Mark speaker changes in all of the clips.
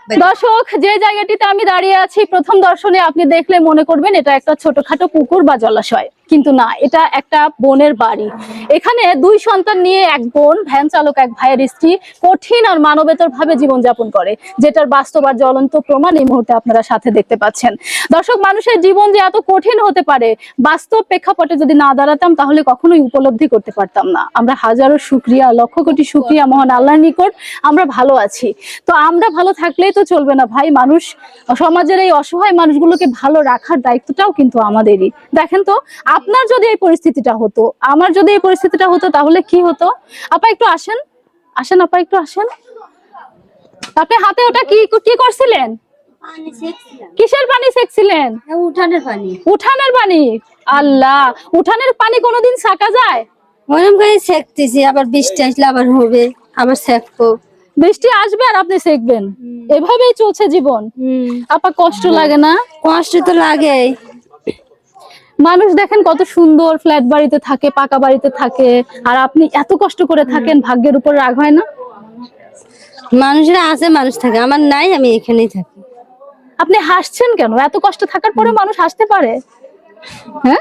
Speaker 1: দর্শক, যে জায়গাটিতে আমি দাঁড়িয়ে আছি প্রথম দর্শনে আপনি দেখলে মনে করবেন এটা একটা ছোটখাটো পুকুর বা জলাশয়, কিন্তু না, এটা একটা বোনের বাড়ি। এখানে দুই সন্তান নিয়ে এক বোন, ভ্যান চালক এক ভাইয়ের স্ত্রী কঠিন আর মানবেতর ভাবে জীবনযাপন করে, যেটার বাস্তব আর জ্বলন্ত প্রমাণ এই মুহূর্তে আপনারা সাথে দেখতে পাচ্ছেন। দর্শক, মানুষের জীবন যে এত কঠিন হতে পারে বাস্তব প্রেক্ষাপটে যদি না দাঁড়াতাম তাহলে কখনোই উপলব্ধি করতে পারতাম না। আমরা হাজারো শুকরিয়া, লক্ষ কোটি শুকরিয়া মহান আল্লাহর নিকট আমরা ভালো আছি। তো আমরা ভালো থাকলেই তো চলবে না ভাই, মানুষ সমাজের এই অসহায় মানুষগুলোকে ভালো রাখার দায়িত্বটাও কিন্তু আমাদেরই। দেখেন তো, আপনার যদি এই পরিস্থিতিটা হতো, আমার যদি এই পরিস্থিতিটা হতো তাহলে কি হতো? আপা একটু আসেন, আসেন আপা একটু আসেন। আপনি হাতে ওটা কি কি করছিলেন? কিসের পানি সেকছিলেন?
Speaker 2: উঠানের পানি।
Speaker 1: উঠানের পানি? আল্লাহ, উঠানের পানি কোনোদিন ছাকা যায়?
Speaker 2: ওরকম করে সেকতেছি, আবার বৃষ্টি আসলে আবার হবে, আবার সেকবো।
Speaker 1: বৃষ্টি আসবে আর আপনি সেকবেন, এভাবেই চলছে জীবন। আপা কষ্ট লাগে না?
Speaker 2: কষ্ট তো লাগে।
Speaker 1: মানুষ দেখেন কত সুন্দর ফ্ল্যাট বাড়িতে থাকে, পাকা বাড়িতে থাকে, আর আপনি এত কষ্ট করে থাকেন, ভাগ্যের উপর রাগ হয় না?
Speaker 2: মানুষেরা আছে, মানুষ থাকে, আমার নাই, আমি এখানেই থাকি।
Speaker 1: আপনি হাসছেন কেন? এত কষ্ট থাকার পরে মানুষ হাসতে পারে? হ্যাঁ,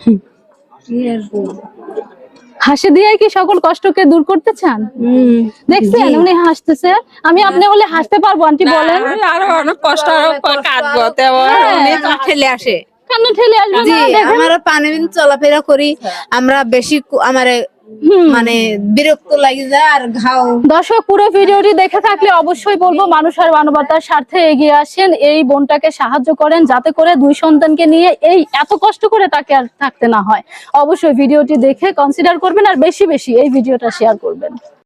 Speaker 1: হাসি দিয়ে কি সকল কষ্টকে দূর করতে চান? দেখছেন উনি হাসতেছে, আমি আপনি হলে হাসতে পারবো? আন্টি বলেন।
Speaker 3: আরো অনেক কষ্ট, আরো কাঁদবো, তেমন উনি ঠেলে আসে।
Speaker 1: কেন ঠেলে আসবে না? দেখেন
Speaker 4: আমরা পানি বিন চলাফেরা করি, আমরা বেশি আমার মানে বিরক্ত লাগে যায় আর ঘাও।
Speaker 1: দর্শক, পুরো ভিডিওটি দেখে থাকলে অবশ্যই বলবো মানুষ আর মানবতার স্বার্থে এগিয়ে আসেন, এই বোনটাকে সাহায্য করেন যাতে করে দুই সন্তানকে নিয়ে এই এত কষ্ট করে তাকে আর থাকতে না হয়। অবশ্যই ভিডিওটি দেখে কনসিডার করবেন আর বেশি বেশি এই ভিডিওটা শেয়ার করবেন।